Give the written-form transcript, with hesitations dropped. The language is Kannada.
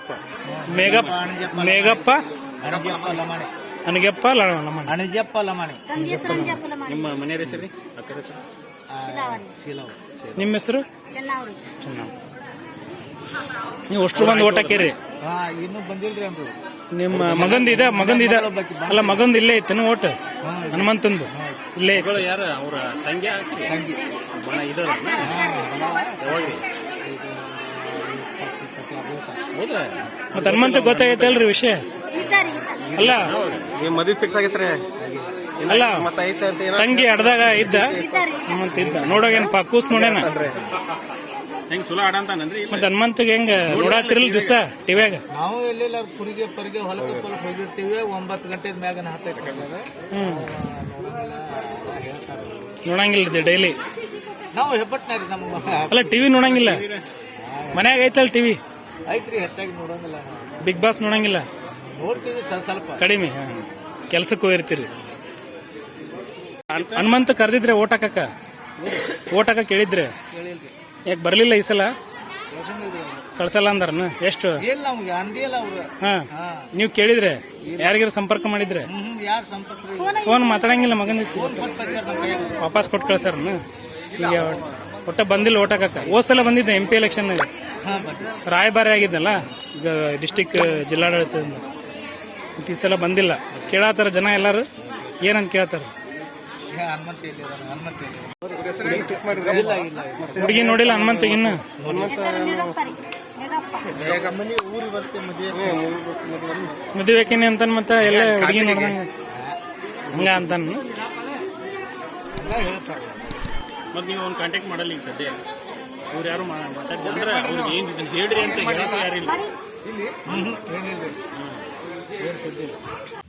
ಮೇಘಪ್ಪ ಮೇಘಪ್ಪ ಮೇಘಪ್ಪ ಅನಗೆಪ್ಪ ಲಮಾಣಿ ಅಣಜಪ್ಪ ಲಮಾಣಿ. ನಿಮ್ಮ ಮನೆಯ ಹೆಸರು ರೀ? ಅಕ್ಕರ ಹೆಸರು? ಶಿಲವ್. ನಿಮ್ಮ ಹೆಸರು? ಚೆನ್ನಾವ್. ನೀವು ಅಷ್ಟು ಬಂದು ಓಟ್ ಹಾಕಿರಿ? ಇನ್ನೂ ಬಂದಿಲ್ರಿ ಅಂದ್ರು. ನಿಮ್ಮ ಮಗಂದಿದ ಅಲ್ಲ ಮಗಂದು ಇಲ್ಲೇ ಇತ್ತೇನು ಓಟ್? ಹನುಮಂತಂದು ಇಲ್ಲೇ ಇತ್ತು. ಯಾರು ಅವ್ರ ತಂಗಿ? ಮತ್ತೆ ಹನುಮಂತ ಗೊತ್ತಾಗೈತಲ್ರಿ ವಿಷಯ? ಅಲ್ಲ ಮದ್ವೆ ಫಿಕ್ಸ್ ಆಗೈತ್ರಿ? ಅಲ್ಲ ತಂಗಿ ಅಡ್ದಾಗ ಇದ್ದ ಹನುಮಂತ ಇದ್ದ. ನೋಡೋಗೇನಪ್ಪ ಕೂಸ್ ನೋಡ್ಯಾನ ಹೆಂಗ್ ಚಲೋ ಆಡಂತಾನನ್ರಿ? ಮತ್ತೆ ಹನುಮಂತಗೆ ಹೆಂಗ ನೋಡಾತಿರಲ್ ದಿವಸ ಟಿವ್ಯಾಗ? ನಾವು ಎಲ್ಲೆಲ್ಲ ಕುರಿಗೆ ಪರಿಗೆ ಹೊಲಕ್ಕೆ ಹೋಗಿರ್ತೀವಿ. 9 ಗಂಟೆ ಮ್ಯಾಗನ ಹತ್ತೈತೆ. ನೋಡಂಗಿಲ್ಲ ಡೈಲಿ? ನಾವು ಹೆಬ್ಬಟ್ನಾರಿ ನಮ್ಗೆ. ಅಲ್ಲ ಟಿವಿ ನೋಡಂಗಿಲ್ಲ? ಮನ್ಯಾಗ ಐತಲ್ ಟಿವಿ? ಐತ್ರಿ, ಹೆಚ್ಚಾಗಿ ನೋಡಂಗಿಲ್ಲ. Big boss ನೋಡಂಗಿಲ್ಲ? ನೋಡ್ತೀವಿ ಸ್ವಲ್ಪ ಕಡಿಮೆ. ಕೆಲ್ಸಕ್ಕೆ ಹೋಗಿರ್ತೀರಿ. ಹನುಮಂತ ಕರೆದಿದ್ರೆ ಓಟ್ ಹಾಕಕ್ಕ ಕೇಳಿದ್ರೆ ಯಾಕೆ ಬರ್ಲಿಲ್ಲ ಈ ಸಲ? ಕಳ್ಸಲ್ಲ ಅಂದಾರನ? ಎಷ್ಟು? ಹಾ, ನೀವು ಕೇಳಿದ್ರೆ ಯಾರಿಗಾರ ಸಂಪರ್ಕ ಮಾಡಿದ್ರೆ? ಫೋನ್ ಮಾತಾಡಂಗಿಲ್ಲ ಮಗನ? ವಾಪಸ್ ಕೊಟ್ಟು ಕಳ್ಸಾರನ? ಈಗ ಒಟ್ಟ ಬಂದಿಲ್ಲ ಓಟ್ ಹಾಕಕ್ಕ. ಹೋದ್ ಸಲ ಬಂದಿದ್ದೆ MP ಎಲೆಕ್ಷನ್ ರಾಯಭಾರಿ ಆಗಿದ್ದಲ್ಲ ಈಗ ಡಿಸ್ಟಿಕ್ ಜಿಲ್ಲಾಡಳಿತದಿಂದ. ಈ ಸಲ ಬಂದಿಲ್ಲ. ಕೇಳತ್ತಾರ ಜನ ಎಲ್ಲಾರು ಏನಂತ ಕೇಳ್ತಾರ? ಹುಡುಗಿ ನೋಡಿಲ್ಲ ಹನುಮಂತಿಗೆ ಇನ್ನು? ಮದುವೆಕೇನೆ ಅಂತಾನ ಮತ್ತ ಎಲ್ಲ ಹುಡುಗಿ ನೋಡ್ದಂಗ ಹಂಗ ಅಂತಾನ. ಮತ್ ನೀವು ಅವ್ನ ಕಾಂಟ್ಯಾಕ್ಟ್ ಮಾಡಲ್ಲ ಈಗ ಸದ್ಯ? ಅವ್ರು ಯಾರು ಮಾತಾಡ್ತಾರೆ ಅವ್ರಿಗೆ ಏನ್ ಹೇಳ್ರಿ ಅಂತ ಹೇಳೋದು ಯಾರಿಲ್ಲ?